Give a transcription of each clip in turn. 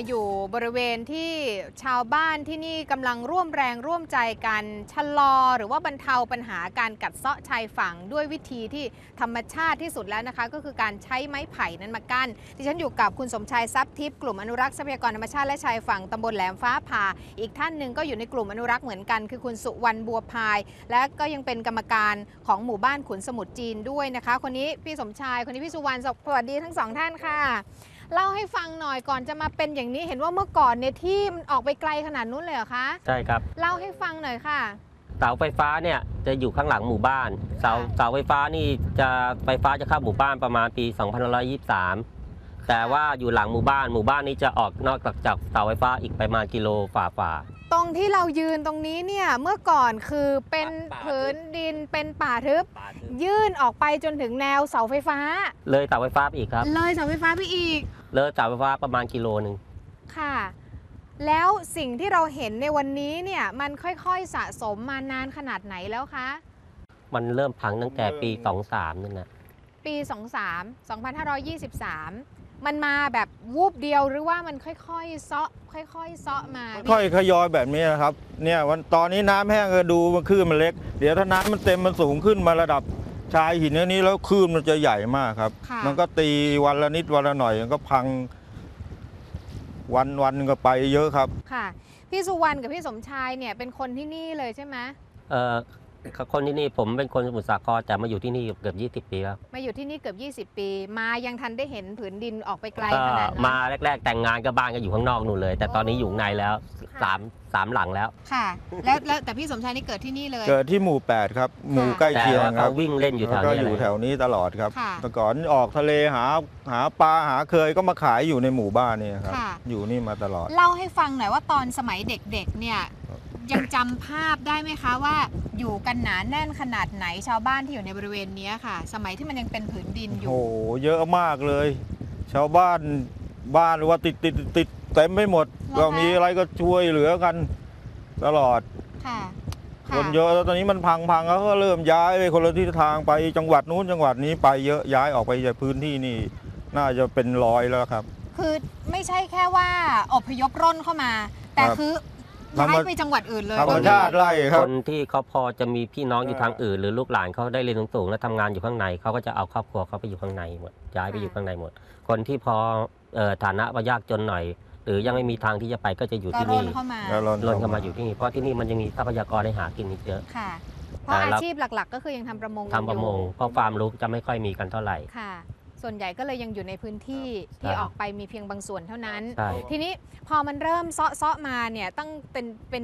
อยู่บริเวณที่ชาวบ้านที่นี่กำลังร่วมแรงร่วมใจกันชะลอหรือว่าบรรเทาปัญหาการกัดเซาะชายฝั่งด้วยวิธีที่ธรรมชาติที่สุดแล้วนะคะก็คือการใช้ไม้ไผ่นั้นมากั้นดิฉันอยู่กับคุณสมชายทรัพย์ทิพย์กลุ่มอนุรักษ์ทรัพยากรธรรมชาติและชายฝั่งตำบลแหลมฟ้าผ่าอีกท่านหนึ่งก็อยู่ในกลุ่มอนุรักษ์เหมือนกันคือคุณสุวรรณบัวพายและก็ยังเป็นกรรมการของหมู่บ้านขุนสมุทรจีนด้วยนะคะคนนี้พี่สมชายคนนี้พี่สุวรรณสวัสดีทั้งสองท่านค่ะเล่าให้ฟังหน่อยก่อนจะมาเป็นอย่างนี้เห็นว่าเมื่อก่อนเนี่ยที่มันออกไปไกลขนาดนู้นเลยเหรอคะใช่ครับเล่าให้ฟังหน่อยค่ะเสาไฟฟ้าเนี่ยจะอยู่ข้างหลังหมู่บ้านเสาไฟฟ้านี่ไฟฟ้าจะเข้าหมู่บ้านประมาณปี2523แต่ว่าอยู่หลังหมู่บ้านนี้จะออกนอกจากเสาไฟฟ้าอีกประมาณกิโลฝ่าตรงที่เรายืนตรงนี้เนี่ยเมื่อก่อนคือเป็นผืนดินเป็นป่าทึบยื่นออกไปจนถึงแนวเสาไฟฟ้าเลยเสาไฟฟ้าไปอีกครับเลยเสาไฟฟ้าไปอีกเลยเสาไฟฟ้าประมาณกิโลหนึ่งค่ะแล้วสิ่งที่เราเห็นในวันนี้เนี่ยมันค่อยๆสะสมมานานขนาดไหนแล้วคะมันเริ่มพังตั้งแต่ปี23นั่นนะปี2523มันมาแบบวูบเดียวหรือว่ามันค่อยๆเซาะค่อยๆเซาะมาค่อยขยอยแบบนี้นะครับเนี่ยวันตอนนี้น้ำแห้งก็ดูมันคลื่นมันเล็กเดี๋ยวถ้าน้ำมันเต็มมันสูงขึ้นมาระดับชายหินนี้แล้วคลื่นมันจะใหญ่มากครับมันก็ตีวันละนิดวันละหน่อยมันก็พังวันก็ไปเยอะครับค่ะพี่สุวรรณกับพี่สมชายเนี่ยเป็นคนที่นี่เลยใช่ไหมคนที่นี่ผมเป็นคนสมุทรสาครแต่มาอยู่ที่นี่เกือบ20 ปีแล้วมาอยู่ที่นี่เกือบ20 ปีมายังทันได้เห็นผืนดินออกไปไกลขนาดนั้นมาแรกๆแต่งงานก็บ้านก็อยู่ข้างนอกนู่นเลยแต่ตอนนี้อยู่ในแล้วสามหลังแล้วค่ะแล้วแต่พี่สมชายนี่เกิดที่นี่เลยเกิดที่หมู่8ครับหมู่ใกล้เคียงครับวิ่งเล่นอยู่แถวนี้ก็อยู่แถวนี้ตลอดครับแต่ก่อนออกทะเลหาปลาหาเคยก็มาขายอยู่ในหมู่บ้านนี่ครับอยู่นี่มาตลอดเล่าให้ฟังหน่อยว่าตอนสมัยเด็กๆเนี่ยยังจำภาพได้ไหมคะว่าอยู่กันหนาแน่นขนาดไหนชาวบ้านที่อยู่ในบริเวณนี้ค่ะสมัยที่มันยังเป็นผืนดินอยู่โอ้โหเยอะมากเลยชาวบ้านว่าติดเต็มไม่หมดก็มีอะไรก็ช่วยเหลือกันตลอดคนเยอะแล้วตอนนี้มันพังแล้วก็เริ่มย้ายไปคนละทิศทางไปจังหวัดนู้นจังหวัดนี้ไปเยอะย้ายออกไปจากพื้นที่นี่น่าจะเป็น100แล้วครับคือไม่ใช่แค่ว่าอพยพร่นเข้ามาแต่คือย้ายไปจังหวัดอื่นเลยธรรมชาติไล่ครับคนที่เขาพอจะมีพี่น้องอยู่ทางอื่นหรือลูกหลานเขาได้เรียนสูงแล้วทำงานอยู่ข้างในเขาก็จะเอาครอบครัวเขาไปอยู่ข้างในหมดย้ายไปอยู่ข้างในหมดคนที่พอฐานะยากจนหน่อยหรือยังไม่มีทางที่จะไปก็จะอยู่ที่นี่ร่นเข้ามาอยู่ที่นี่เพราะที่นี่มันยังมีทรัพยากรให้หากินอีกเยอะค่ะเพราะอาชีพหลักๆก็คือยังทำประมงเพราะฟาร์มลูกจะไม่ค่อยมีกันเท่าไหร่ค่ะส่วนใหญ่ก็เลยยังอยู่ในพื้นที่ที่ออกไปมีเพียงบางส่วนเท่านั้นทีนี้พอมันเริ่มเซาะมาเนี่ยตั้งเป็น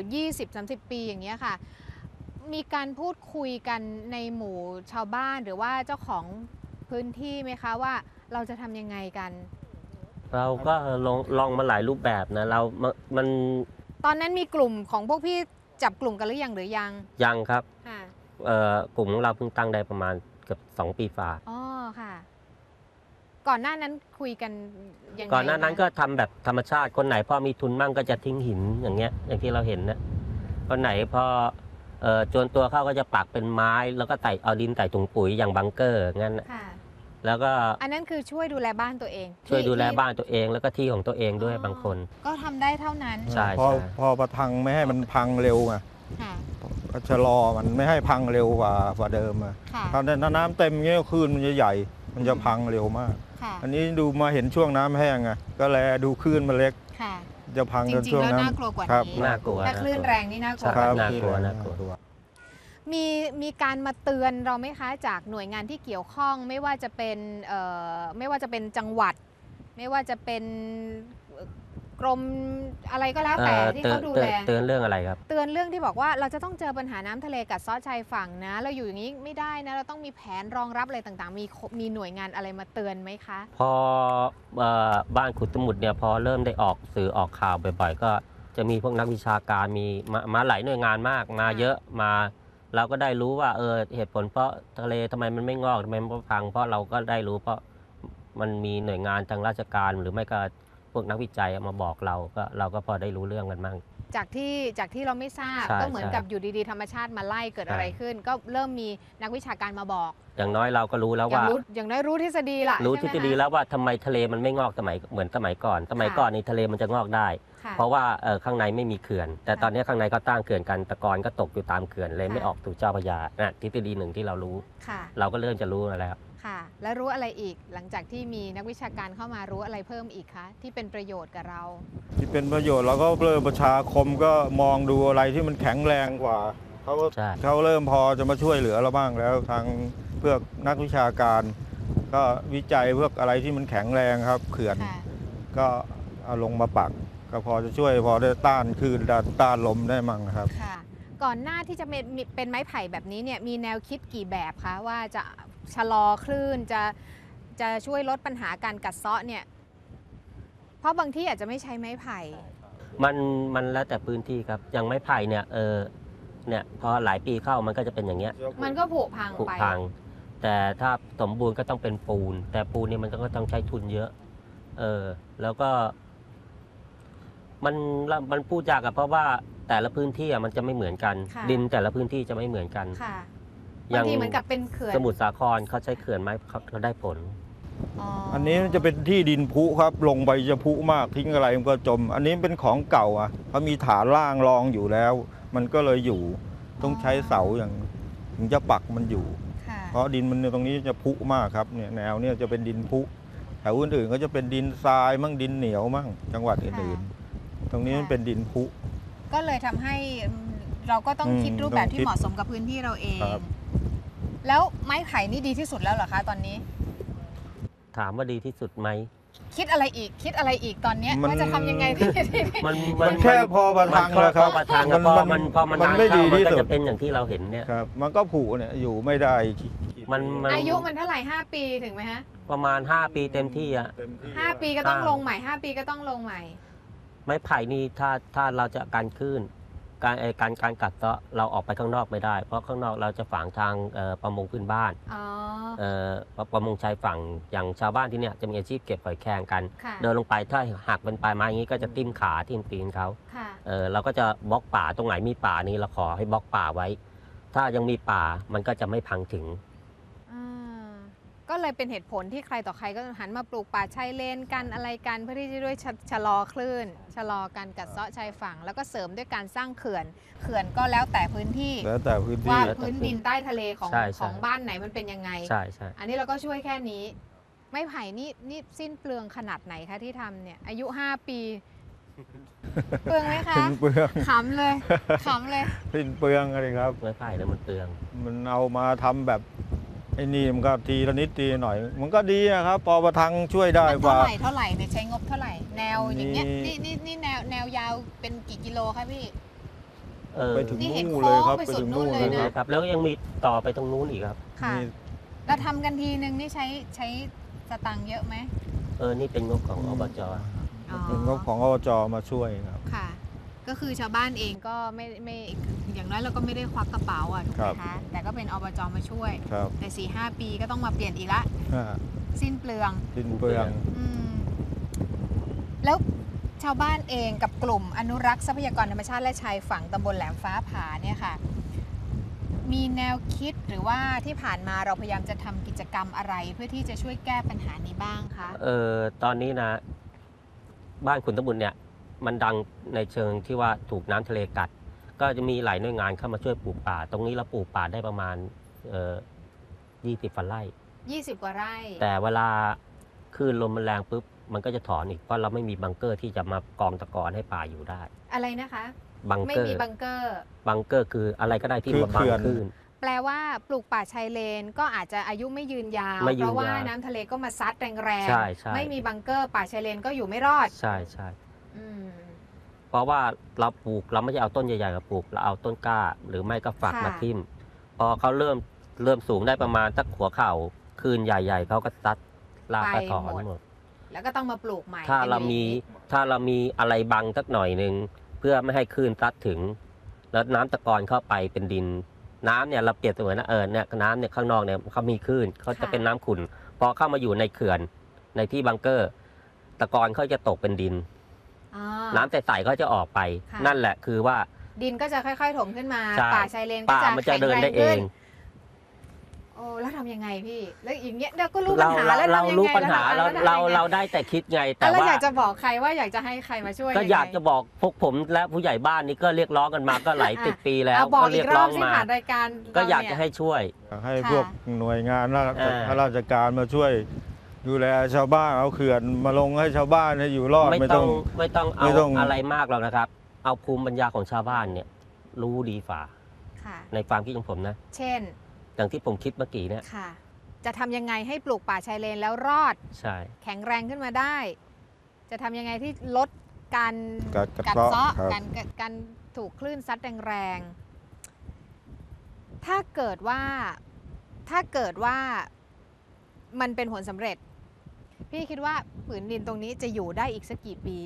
20-30 ปีอย่างเงี้ยค่ะมีการพูดคุยกันในหมู่ชาวบ้านหรือว่าเจ้าของพื้นที่ไหมคะว่าเราจะทำยังไงกันเราก็ลองมาหลายรูปแบบนะมันตอนนั้นมีกลุ่มของพวกพี่จับกลุ่มกันหรือยังครับกลุ่มของเราเพิ่งตั้งได้ประมาณเกือบ2 ปีฝ่าอ๋อค่ะก่อนหน้านั้นคุยกันยังไงก่อนหน้านั้นก็ทำแบบธรรมชาติคนไหนพอมีทุนมั่งก็จะทิ้งหินอย่างเงี้ยอย่างที่เราเห็นนะคนไหนพอจนตัวเข้าก็จะปักเป็นไม้แล้วก็เอาดินใส่ถุงปุ๋ยอย่างบังเกอร์งั้นแล้วก็อันนั้นคือช่วยดูแลบ้านตัวเองช่วยดูแลบ้านตัวเองแล้วก็ที่ของตัวเองด้วยบางคนก็ทำได้เท่านั้นใช่พอประทังไม่ให้มันพังเร็วไงก็ชะลอมันไม่ให้พังเร็วกว่าเดิมถ้าน้ำเต็มเงี้ยคลื่นมันจะใหญ่มันจะพังเร็วมากอันนี้ดูมาเห็นช่วงน้ำแห้งไงก็แลดูคลื่นมันเล็กจะพังจนช่วงน้ำน่ากลัวกว่านี้น่ากลัวถ้าคลื่นแรงนี่น่ากลัวน่ากลัวมีการมาเตือนเราไหมคะจากหน่วยงานที่เกี่ยวข้องไม่ว่าจะเป็นจังหวัดไม่ว่าจะเป็นกรมอะไรก็แล้วแต่ที่เขาดูแลเตือนเรื่องอะไรครับเตือนเรื่องที่บอกว่าเราจะต้องเจอปัญหาน้ำทะเลกัดเซาะชายฝั่งนะเราอยู่อย่างนี้ไม่ได้นะเราต้องมีแผนรองรับอะไรต่างๆมีหน่วยงานอะไรมาเตือนไหมคะพอบ้านขุดสมุทรเนี่ยพอเริ่มได้ออกสื่อออกข่าวบ่อยๆก็จะมีพวกนักวิชาการมีมาหลายหน่วยงานมากมาเยอะมาเราก็ได้รู้ว่าเหตุผลเพราะทะเลทำไมมันไม่งอกทำไมมันพังเพราะเราก็ได้รู้เพราะมันมีหน่วยงานทางราชการหรือไม่ก็พวกนักวิจัยมาบอกเราก็พอได้รู้เรื่องกันบ้างจากที่เราไม่ทราบใช่ก็เหมือนใช่กับอยู่ดีๆธรรมชาติมาไล่เกิดใช่อะไรขึ้น ก็เริ่มมีนักวิชาการมาบอกอย่างน้อยเราก็รู้แล้วอย่างว่ารู้อย่างน้อยรู้ทฤษฎีละรู้ทใช่ฤไหมษฎีคะแล้วว่าทำไมทะเลมันไม่งอกเหมือนสมัยก่อน สมัยค่ะก่อนในทะเลมันจะงอกได้ค่ะเพราะว่าข้างในไม่มีเขื่อน แต่ค่ะตอนนี้ข้างในก็ตั้งเขื่อนกันตะกอนก็ตกอยู่ตามเขื่อนเลยค่ะไม่ออกสู่เจ้าพระยานะทฤษฎีหนึ่งที่เรารู้ค่ะเราก็เริ่มจะรู้แล้วค่ะ แล้วรู้อะไรอีกหลังจากที่มีนักวิชาการเข้ามารู้อะไรเพิ่มอีกคะที่เป็นประโยชน์กับเราที่เป็นประโยชน์เราก็เริ่มประชาคมก็มองดูอะไรที่มันแข็งแรงกว่าเขาก็ใช่เขาเริ่มพอจะมาช่วยเหลือเราบ้างแล้วทางเพื่อนักวิชาการ ก็วิจัยเพื่ออะไรที่มันแข็งแรงครับเขื่อนค่ะก็เอาลงมาปัก ก็พอจะช่วยพอได้ต้านคลื่นต้านลมได้มั่งครับค่ะ ก่อนหน้าที่จะเป็นไม้ไผ่แบบนี้เนี่ยมีแนวคิดกี่แบบคะว่าจะชะลอคลื่นจะช่วยลดปัญหาการกัดเซาะเนี่ยเพราะบางที่อาจจะไม่ใช้ไม้ไผ่มันแล้วแต่พื้นที่ครับ อย่างไม้ไผ่เนี่ยเนี่ยพอหลายปีเข้ามันก็จะเป็นอย่างเงี้ยมันก็ผุพังผุไปพัง แต่ถ้าสมบูรณ์ก็ต้องเป็นปูน แต่ปูนเนี่ยมันก็ต้องใช้ทุนเยอะ แล้วก็ มันพูดยากอะเพราะว่าแต่ละพื้นที่อะมันจะไม่เหมือนกันค่ะดินแต่ละพื้นที่จะไม่เหมือนกันค่ะอย่าบาง งทีเหมือนกับเป็นเขื่อนสมุทรสาครเขาใช้เขื่อนไม้เขาได้ผลอันนี้จะเป็นที่ดินพุครับ ลงไปจะพุมากทิ้งอะไรมันก็จม อันนี้เป็นของเก่าอ่ะเขามีฐานล่างรองอยู่แล้ว มันก็เลยอยู่ต้องใช้เสาอย่างถึงจะปักมันอยู่ค่ะเพราะดินมันตรงนี้จะพุมากครับเนี่ยแนวเนี่ยจะเป็นดินพุแถวอื่นๆก็จะเป็นดินทรายมั่งดินเหนียวมั่งจังหวัดอื่นๆ ตรงนี้มันเป็นดินพุก็เลยทำให้เราก็ต้องคิดรูปแบบที่ต้องคิดเหมาะสมกับพื้นที่เราเองครับแล้วไม้ไผ่นี่ดีที่สุดแล้วเหรอคะตอนนี้ถามว่าดีที่สุดไหมคิดอะไรอีกตอนเนี้ยมันว่าจะทำยังไงที่มันแค่พอประทังเลยครับพอประทังอะพอมันมันนานไม่เข้าดีมันที่ก็สุดจะเป็นอย่างที่เราเห็นเนี่ยครับ มันก็ผุเนี่ยอยู่ไม่ได้มันอายุมันเท่าไหร่5 ปีถึงไหมฮะประมาณ 5 ปีเต็มที่อะเต็มที่ 5 ปีก็ต้องลงใหม่ 5 ปีก็ต้องลงใหม่ไม้ไผ่นี่ถ้าเราจะการคลื่นการกัดเซาะเราออกไปข้างนอกไม่ได้ เพราะข้างนอกเราจะฝังทางประมงพื้นบ้านอ๋อประมงชายฝั่งอย่างชาวบ้านที่เนี่ยจะมีอาชีพเก็บหอยแครงกันค่ะเดินลงไปถ้าหักเป็นปลายไม้อย่างนี้ก็จะทิ่มขาทิ่มตีนเขาค่ะเราก็จะบล็อกป่าตรงไหนมีป่านี้เราขอให้บล็อกป่าไว้ ถ้ายังมีป่ามันก็จะไม่พังถึงอ่าก็เลยเป็นเหตุผลที่ใครต่อใครก็หันมาปลูกป่าชายเลนกันอะไรกันเพื่อที่จะด้วยชะลอคลื่น ชะลอการกัดเซาะชายฝั่ง แล้วก็เสริมด้วยการสร้างเขื่อนก็แล้วแต่พื้นที่แล้วแต่พื้นที่ว่าแล้วแต่พื้นดินใต้ทะเลของใช่ใช่ของบ้านไหนมันเป็นยังไงใช่อันนี้เราก็ช่วยแค่นี้ ไม้ไผ่นี่สิ้นเปลืองขนาดไหนคะที่ทำเนี่ยอายุ 5 ปี เปลืองไหมคะสิ้นเปลืองขำเลยขำเลยสิ้นเปลืองอะไรครับไม้ไผ่เนี่ยมันเปลืองมันเอามาทำแบบไอ้นี่มันก็ทีละนิดทีหน่อย มันก็ดีนะครับ พอประทังช่วยได้มันกว่าเท่าไหร่เนี่ยใช้งบเท่าไหร่ แนวอย่างเงี้ยมีนี่แนวยาวเป็นกี่กิโลคะพี่ไปถึงนี่เห็นนู่นเลยครับโค้งไปไปสุดถึงนู่นู่นนเลเลย ยนะครับครับแล้วยังมีต่อไปตรงนู้นอีกครับค่ะนี่แล้วทำกันทีนึงนี่ใช้สตังค์เยอะไหมนี่เป็นงบของอบจอ๋อเป็นงบของอบจมาช่วยครับค่ะ ก็คือชาวบ้านเองก็ไม่อย่างน้อยเราก็ไม่ได้ควักกระเป๋าอ่ะถูกไหมคะ แต่ก็เป็นอบจมาช่วยครับแต่ 4-5 ปีก็ต้องมาเปลี่ยนอีกละอ่าสิ้นเปลืองสิ้นเปลืองอืมแล้วชาวบ้านเองกับกลุ่มอนุรักษ์ทรัพยากรธรรมชาติและชายฝั่งตำบลแหลมฟ้าผาเนี่ยค่ะ มีแนวคิดหรือว่าที่ผ่านมาเราพยายามจะทำกิจกรรมอะไร เพื่อที่จะช่วยแก้ปัญหานี้บ้างคะตอนนี้นะ บ้านขุนตะบุญเนี่ย มันดังในเชิงที่ว่าถูกน้ำทะเลกัด ก็จะมีหลายหน่วยงานเข้ามาช่วยปลูกป่า ตรงนี้เราปลูกป่าได้ประมาณ20 ไร่ 20 กว่าไร่แต่เวลาคลื่นลมมันแรงปุ๊บมันก็จะถอนอีกเพราะเราไม่มีบังเกอร์ที่จะมากองตะกอนให้ป่าอยู่ได้อะไรนะคะบังไม่เกอร์มีบังเกอร์บังเกอร์คืออะไรก็ได้ที่คือมาบังเขื่อนคลื่นแปลว่าปลูกป่าชายเลนก็อาจจะอายุไม่ยืนยาวไม่ยืนเพราะว่ายาวน้ำทะเลก็มาซัดแรงใช่ใช่ไม่มีบังเกอร์ป่าชายเลนก็อยู่ไม่รอดใช่ใช่อืมเพราะว่าเราปลูกเราไม่ใช่เอาต้นใหญ่ๆมาปลูกเราเอาต้นกล้า หรือไม่ก็ฝักค่ะมาทิ่มพอเขาเริ่มสูงได้ประมาณสักหัวเข่าคลื่นใหญ่ ๆเขาก็ซัดลากกระถอนหมดแล้วก็ต้องมาปลูกใหม่ถ้าเรามีเป็นอย่างนี้ถ้าเรามีอะไรบังสักหน่อยหนึ่งเพื่อไม่ให้คลื่นซัดถึง แล้วน้ำตะกอนเข้าไปเป็นดิน น้ำเนี่ยเราเปรียบเสมือนนะเนี่ยน้ำเนี่ยข้างนอกเนี่ยเขามีคลื่นเขาจะเป็นน้ำขุ่นพอเข้ามาอยู่ในเขื่อนในที่บังเกอร์ ตะกอนเขาจะตกเป็นดินอ๋อน้ำใสๆก็จะออกไปค่ะนั่นแหละคือว่าดินก็จะค่อยๆถมขึ้นมาใช่ป่าชายเลนก็ป่าจะมันจะแข็งเดินแรงได้เอขึ้นงโอ้แล้วทำยังไงพี่แล้วอย่างเงี้ยเราก็รู้ปัเราญหาแล้วเราทำยังไงรู้ปัญหาแล้วทำยังไงเราได้แต่คิดไง แต่แล้วว่าอยากจะบอกใครว่าอยากจะให้ใครมาช่วยก็งไงอยากจะบอกพวกผมและผู้ใหญ่บ้านนี่ก็เรียกร้องกันมาก็หลายสิบปีแล้วเอาบอกก็อีเรียกกรร้ออบ งสิมาผ่านรายการก็อยากเรจะเนี่ให้ช่วยให้ค่ะพวกหน่วยงานราชการมาช่วย ดูแลชาวบ้านเอาเขื่อนมาลงให้ชาวบ้านให้อยู่รอดไม่ไม่ต้ต้ออง งไม่ต้องไม่เอาต้องอะไรมากหรอกนะครับ เอาภูมิปัญญาของชาวบ้านเนี่ยรู้ดีฝ่าค่ะในความคิดของผมนะเช่นอย่างที่ผมคิดเมื่อกี้เนี่ยค่ะ จะทำยังไงให้ปลูกป่าชายเลนแล้วรอดใช่แข็งแรงขึ้นมาได้ จะทำยังไงที่ลดการกัดเซาะครับการถูกคลื่นซัดแรงๆถ้าเกิดว่ามันเป็นผลสำเร็จ พี่คิดว่าผืนดินตรงนี้จะอยู่ได้อีกสักกี่ปี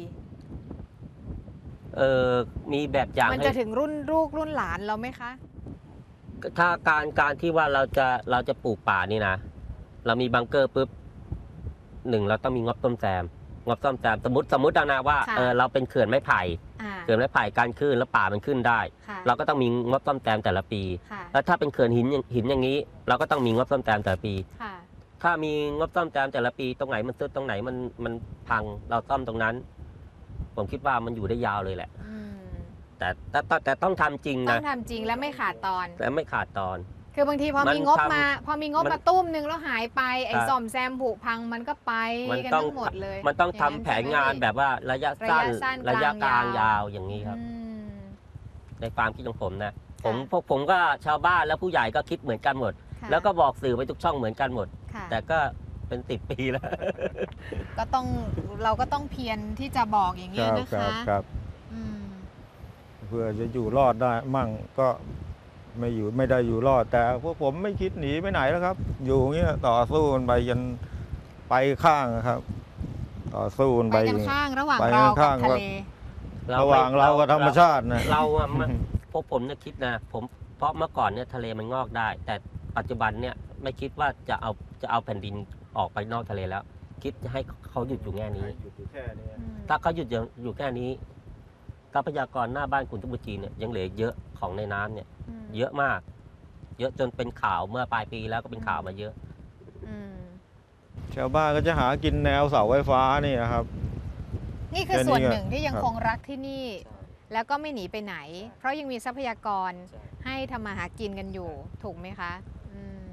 มีแบบอย่างมันให้จะถึงรุ่นลูกรุ่นหลานเราไหมคะถ้าการที่ว่าเราจะปลูกป่านี่นะ เรามีบังเกอร์ปุ๊บหนึ่งเราต้องมีงบซ่อมแซมสมมตินะว่าค่ะเราเป็นเขื่อนไม้ไผ่อ่าเขื่อนไม้ไผ่การขึ้นแล้วป่ามันขึ้นได้ค่ะเราก็ต้องมีงบซ่อมแซมแต่ละปีค่ะแล้วถ้าเป็นเขื่อนหินอย่างนี้ เราก็ต้องมีงบซ่อมแซมแต่ละปีค่ะถ้ามีงบซ่อมแซมแต่ละปีตรงไหนมันซุดตรงไหนมันพังเราซ่อมตรงนั้น ผมคิดว่ามันอยู่ได้ยาวเลยแหละอืมแต่ต้องทำจริงต้อนะงทำจริงและไม่ขาดตอนแต่ไม่ขาดตอนคือบางทีพอมันมีงบทำมาพอมีงบมันมาตุ้มนึงแล้วหายไปไอ้ครับซ่อมแซมผุพังมันก็ไปมันกันต้องทั้งหมดเลยมันต้องย่าทำแผนงานแบบว่าระยะสั้นระยะสั้นระยะกลางกลางยายาว วอย่างนี้ครับอืมในความคิดของผมนะค่ะพวกผมก็ชาวบ้านและผู้ใหญ่ก็คิดเหมือนกันหมดค่ะแล้วก็บอกสื่อไปทุกช่องเหมือนกันหมดค่ะแต่ก็เป็น10 ปีแล้วก็ต้องเราก็ต้องเพียรที่จะบอกอย่างคเงี้ยรับนะครัคะบครับอืมเพื่อจะอยู่รอดได้มั่งก็ไม่ได้อยู่รอด แต่พวกผมไม่คิดหนีไปไหนแล้วครับ อยู่อย่างเงี้ยต่อสู้กันไปยันไปข้างนะครับ ต่อสู้กันไปไปกันข้างระหว่างไปเราข้ากับงทะเลระหว่างเรากับธรรมชาตินะเราอะพวกผมเนี่ยคิดนะเพราะเมื่อก่อนเนี่ยทะเลมันงอกได้ แต่ปัจจุบันเนี่ยไม่คิดว่าจะเอาแผ่นดินออกไปนอกทะเลแล้ว คิดจะให้เขาหยุดอยู่แค่นี้อยู่แค่นี้ถ้าเขาหยุดอยู่แค่นี้ทรัพยากรหน้าบ้านคุณทุบุจีเนี่ยยังเหลือเยอะของในน้ำเนี่ย เยอะมาก เยอะจนเป็นข่าวเมื่อปลายปีแล้วก็เป็นข่าวมาเยอะอืมชาวบ้านก็จะหากินแนวเสาไฟฟ้านี่นะครับนี่คือแค่นี้ส่วนหนึ่งที่ยังครับคงรักที่นี่ แล้วก็ไม่หนีไปไหน เพราะยังมีทรัพยากรให้ทำมาหากินกันอยู่ ถูกไหมคะอืม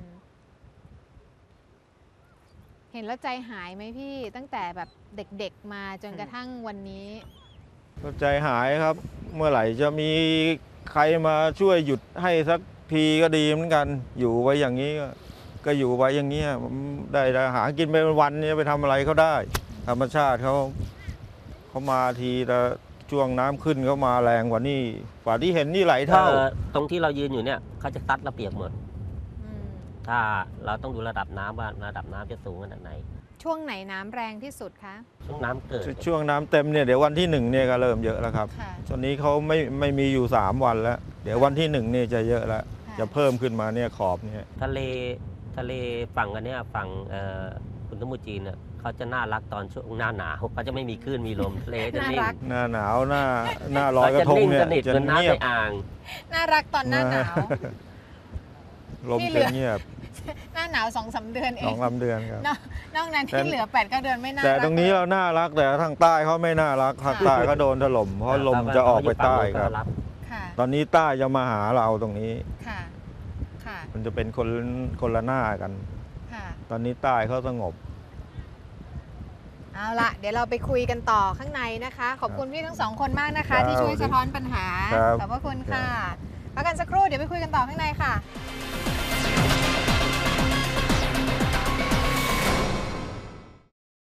เห็นแล้วใจหายไหมพี่ตั้งแต่แบบเด็กๆมาจนกระทั่งวันนี้ก็ใจหายครับ เมื่อไหร่จะมีใครมาช่วยหยุดให้สักทีก็ดีเหมือนกัน อยู่ไว้อย่างนี้ก็อยู่ไว้อย่างนี้ได้หากินไปวันๆนี้ไปทำอะไรเขาได้ ธรรมชาติเขามาทีแต่ช่วงน้ำขึ้นเขามาแรงกว่านี่กว่าที่เห็นนี่หลายเท่าตรงที่เรายืนอยู่เนี่ยเขาจะซัดเราเปียกหมดอืมถ้าเราต้องดูระดับน้ำว่าระดับน้ำจะสูงขนาดไหนช่วงไหนน้ำแรงที่สุดคะช่วงน้ำเกิดช่วงน้ำเต็มเนี่ยเดี๋ยววันที่1เนี่ยก็เริ่มเยอะแล้วครับค่ะตอนนี้เขาไม่มีอยู่3วันแล้ว เดี๋ยววันที่1เนี่ยจะเยอะแล้ว จะเพิ่มขึ้นมาเนี่ยขอบเนี่ยทะเลฝั่งกันเนี่ยฝั่งคุณทุบุจีเนี่ยเขาจะน่ารักตอนช่วงหน้าหนาวเขาจะไม่มีคลื่นมีลมทะเลจะนิ่งน่ารักหน้าหนาวหน้าลอยกระทงเนี่ยขาจะนิ่งสนิทจะเหมือนน้ำเงียในบอ่างน่ารักตอนหน้าหนาวลมที่เหลืจะอเงียบหน้าหนาว 2-3 เดือนเอสอง งลำเดือนครับนอกนั้นที่เหลือ 8-9 เดือนไม่น่าแต่รักตรงนี้เราน่ารักแต่ทางใต้เขาไม่น่ารักทางใต้ก็โดนถล่มเพราะลมจะออกไปใต้ครับค่ะตอนนี้ใต้จะมาหาเราตรงนี้ค่ะ ค่ะมันจะเป็นคนละหน้ากันค่ะตอนนี้ใต้เขาสงบเอาละเดี๋ยวเราไปคุยกันต่อข้างในนะคะ ขอบคุณพี่ทั้งสองคนมากนะครัคะบที่ช่วยสะท้อนปัญหาครับขอบพระคุณค่ะพักกันสักครู่เดี๋ยวไปคุยกันต่อข้างในค่ะ